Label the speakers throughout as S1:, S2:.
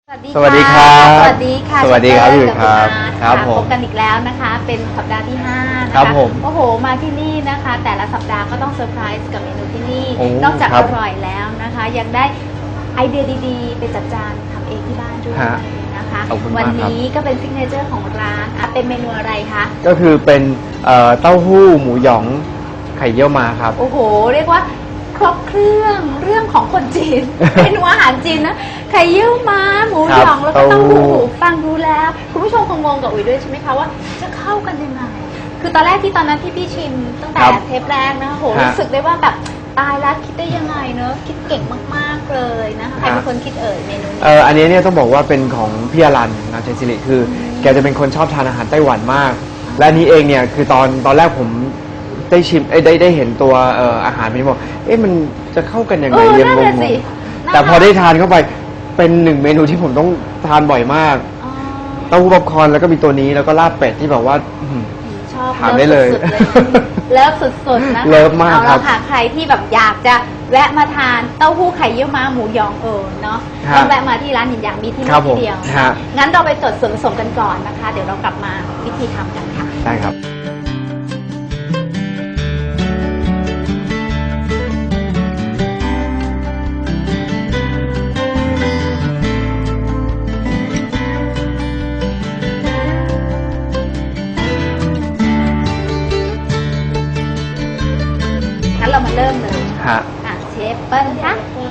S1: สวัสดีครับ
S2: สวัสดีค่ะ
S1: สวัสดีครับพี่ครับ
S2: ครับผมพบกันอีกแล้วนะคะ เป็นสัปดาห์ที่5นะคะ
S1: ครับผม
S2: โอ้โหมาที่นี่นะคะ แต่ละสัปดาห์ก็ต้องเซอร์ไพรส์กับเมนูที่นี่
S1: โอ้
S2: นอกจาก
S1: ครั
S2: อบ ร่อยแล้วนะคะ ยังได้ไอเดียดีๆ ไปจัดจานทำเองที่บ้านด้วย
S1: ฮะ
S2: นะคะ
S1: ขอบคุณมาก
S2: วั
S1: ครับ
S2: นี้ก็เป็นซิกเนเจอร์ของร้านเป็นเมนูอะไรคะ
S1: ก็คือเป็นเต้าหู้หมูหยองไข่เยี่ยวมาครับ
S2: โอ้โห เรียกว่าครบเครื่องของคนจี น เมนูอาหารจีนนะไข่เยี่ยวม้าหมูหยอง
S1: ครับ
S2: แล้วก็เต้าหู้
S1: เต้าหู้
S2: ฟังดูแล้วคุณผู้ชมคงงงกับอุ๋ยด้วยใช่ไหมคะว่าจะเข้ากันยังไงคือตอนแรกที่ตอนนั้นที่พี่ชิมตั้งแต่เทปแรกนะโหรู้สึกได้ว่าแบบตายแล้วคิดได้ยังไงเนอะคิดเก่งมากๆเลยนะคะใครเป็นคนคิดเมนูนี้
S1: อันนี้เนี่ยต้องบอกว่าเป็นของพี่อรันนะเจนซิริคือแกจะเป็นคนชอบทานอาหารไต้หวันมาก และอันนี้เองเนี่ยคือตอนแรกผมได้ชิมได้เห็นตัวอาหารมันบอกมันจะเข้ากันยังไง
S2: เออ
S1: ยังง
S2: นั่น
S1: ง
S2: น่ะสิ
S1: ๆแต่พอได้ทานเข้าไปเป็นหนึ่งเมนูที่ผมต้องทานบ่อยมาก
S2: อ๋อ
S1: เต้าหู้ป๊อปคอร์นแล้วก็มีตัวนี้แล้วก็ลาบเป็ดที่แบบว่าอื้อหือ
S2: ชอบ
S1: ถามได้เลย
S2: เลิฟสุดๆนะคะ
S1: เลิฟมาก
S2: เอา
S1: ครั
S2: ละ
S1: บ
S2: ค่ะใครที่แบบอยากจะแวะมาทานเต้าหู้ไข่เยี่ยวม้าหมูยองเนาะ
S1: ฮะ
S2: ต้องแวะมาที่ร้านหยินหยางมีที่
S1: ครั
S2: นี่
S1: บผม
S2: ที่เดียว
S1: ฮะ
S2: งั้นเราไปจดส่วนผสมกันก่อนนะคะ เดี๋ยวเรากลับมาวิธีทำกันค่ะ
S1: ได้ครับ
S2: งั้นเรามาเริ่มเลย
S1: ฮะ
S2: เชฟเปิ้ลคะ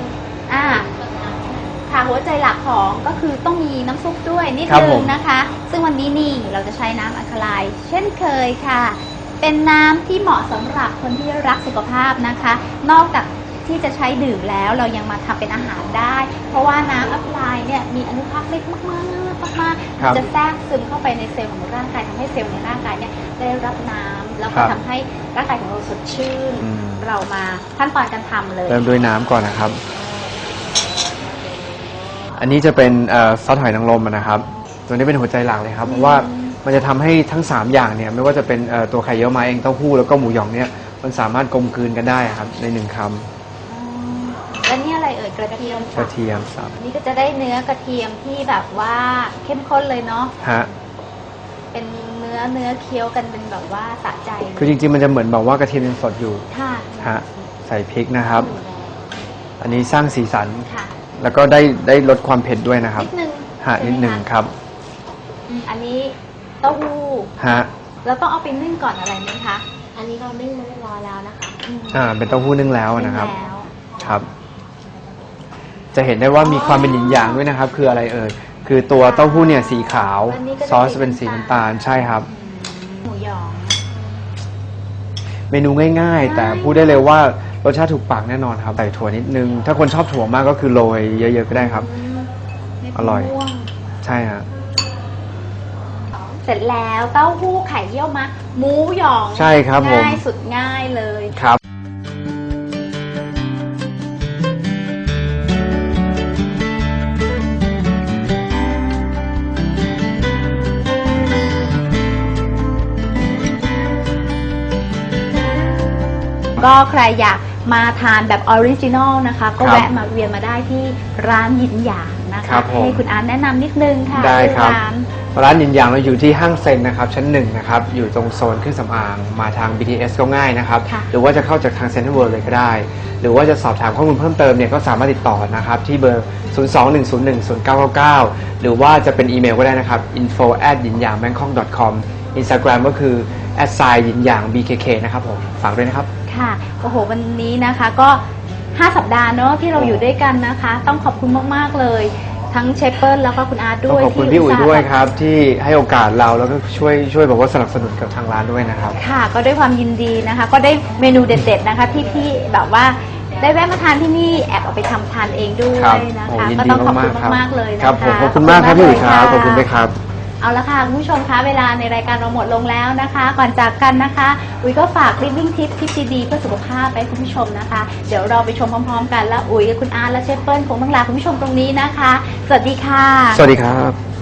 S2: ค่ะหัวใจหลักของก็คือต้องมีน้ำซุปด้วยนิด
S1: ครับ
S2: นึ
S1: ผ
S2: ง
S1: ม
S2: นะคะ ซึ่งวันนี้นี่เราจะใช้น้ำอัลคาไลน์เช่นเคยค่ะ เป็นน้ำที่เหมาะสำหรับคนที่รักสุขภาพนะคะ นอกจากที่จะใช้ดื่มแล้วเรายังมาทำเป็นอาหารได้ เพราะว่าน้ำอัลคาไลน์เนี่ยมีอนุภาคเล็กมากๆ
S1: ครับ
S2: จะแทรกซึมเข้าไปในเซลล์ของร่างกายทำให้เซลล์ในร่างกายเนี่ยได้รับน้ำแล้ว
S1: ค
S2: ก็
S1: รับ
S2: ทำให้ร่างกายของเราสดชื่น
S1: อืม
S2: เรามาขั้นตอนการทำเลย
S1: เริ่มด้วยน้ำก่อนนะครับ อันนี้จะเป็นซอสหอยนางรมนะครับ ตัวนี้เป็นหัวใจหลักเลยครับ เพราะว่ามันจะทำให้ทั้ง 3 อย่างเนี่ยไม่ว่าจะเป็นตัวไข่เยี่ยวม้าเองเต้าหู้แล้วก็หมูหยองเนี่ยมันสามารถกลมกลืนกันได้ครับใน1 คำ
S2: แล้วนี่อะไรกระเทียม
S1: กระเทียมสับ
S2: นี่ก็จะได้เนื้อกระเทียมที่แบบว่าเข้มข้นเลยเนาะ
S1: ฮะ
S2: เป็นเนื้อเคี้ยวกันเป็นแบบว่าสะใจ
S1: คือจริงๆมันจะเหมือนแบบว่ากระเทียมยังสดอยู่
S2: ค่ะ
S1: ฮะใส่พริกนะครับ อันนี้สร้างสีสัน
S2: ค่ะ
S1: แล้วก็ได้ลดความเผ็ดด้วยนะครับ
S2: นิดนึง
S1: ฮะนิดหนึ่งครับ
S2: อันนี้เต้าหู้
S1: ฮะ
S2: แล้วต้องเอาไปนึ่งก่อนอะไรไหมคะ
S3: อันนี้เรานึ่งมาเรียบร้อยแล้วนะคะ
S1: เป็นเต้าหู้นึ่งแล้วนะครับ
S2: นึ่งแล้ว
S1: ครับ จะเห็นได้ว่ามีความเป็นหยินหยางด้วยนะครับ คืออะไรคือตัวเต้าหู้เนี่ยสีขาว
S2: อันนี้ก็จะ
S1: ซอสเป็นสีน้ำตาลใช่ครับ
S2: หมูหยอง
S1: เมนูง่ายๆ แต่พูดได้เลยว่ารสชาติถูกปากแน่นอนครับใส่ถั่วนิดนึง ถ้าคนชอบถั่วมากก็คือโรยเยอะๆก็ได้ครับ
S2: เม็ด
S1: อร่อย
S2: มะม่วง
S1: ใช่ฮะ
S2: เสร็จแล้วเต้าหู้ไข่เยี่ยวมะหมูหยอง
S1: ใช่ครับผม
S2: ง่ายสุดง่ายเลย
S1: ครับ
S2: ก็ใครอยากมาทานแบบออริจินอลนะคะ ก็
S1: ครับ
S2: แวะมาเวียนมาได้ที่ร้านหยินหยางนะ
S1: ครั
S2: คะ
S1: บผม
S2: ให้คุณอาร์ตแนะนำนิดนึงค่ะ
S1: ได้ครับ
S2: ร้าน
S1: ร้านหยินหยางเราอยู่ที่ห้างเซ็นนะครับชั้น1นะครับอยู่ตรงโซนเครื่องสำอางมาทาง BTS ก็ง่ายนะครับ
S2: ค่ะ
S1: หรือว่าจะเข้าจากทางเซ็นทรัลเวิลด์เลยก็ได้ หรือว่าจะสอบถามข้อมูลเพิ่มเติมเนี่ยก็สามารถติดต่อนะครับที่เบอร์ 021010999 หรือว่าจะเป็นอีเมลก็ได้นะครับ info@yinyangBangkok.com Instagram ก็คือ@yinyang_bkk นะครับผมฝากด้วยนะครับ
S2: ค่ะโอ้โหวันนี้นะคะก็ 5 สัปดาห์เนาะที่เราอยู่ด้วยกันนะคะ ต้องขอบคุณมากๆเลย ทั้งเชฟเปิลแล้วก็คุณอาร์ต
S1: ต้
S2: ด้
S1: อง
S2: วย
S1: ขอบคุณพี่อุ๋ยด้วยครับที่ให้โอกาสเราแล้วก็ช่วยบอกว่าสนับสนุนกับทางร้านด้วยนะครับ
S2: ค่ะ ก็ด้วยความยินดีนะคะ ก็ได้เมนูเด็ดๆนะคะที่พี่แบบว่าได้แวะมาทานที่นี่แอบเอาไปทำทานเองด้ว
S1: ครับ
S2: ยนะ
S1: โอ้
S2: คะ
S1: ยิน
S2: ก็
S1: ดี
S2: ต้องขอบคุณ
S1: มากๆครับ
S2: มากๆเลยนะคะ
S1: ครับผมขอบคุณมากครับพี่อุ๋ยครับขอบคุณด้วยครับ
S2: เอาละค่ะคุณผู้ชมคะเวลาในรายการเราหมดลงแล้วนะคะ ก่อนจากกันนะคะอุ๋ยก็ฝาก Living Tips ทิปดีๆเพื่อสุขภาพไปให้คุณผู้ชมนะคะ เดี๋ยวเราไปชมพร้อมๆกันแล้วอุ๋ยกับคุณอาร์ตและเชฟเปิ้ลคงต้องลาคุณผู้ชมตรงนี้นะคะ สวัสดีค่ะ
S1: สวัสดีครับ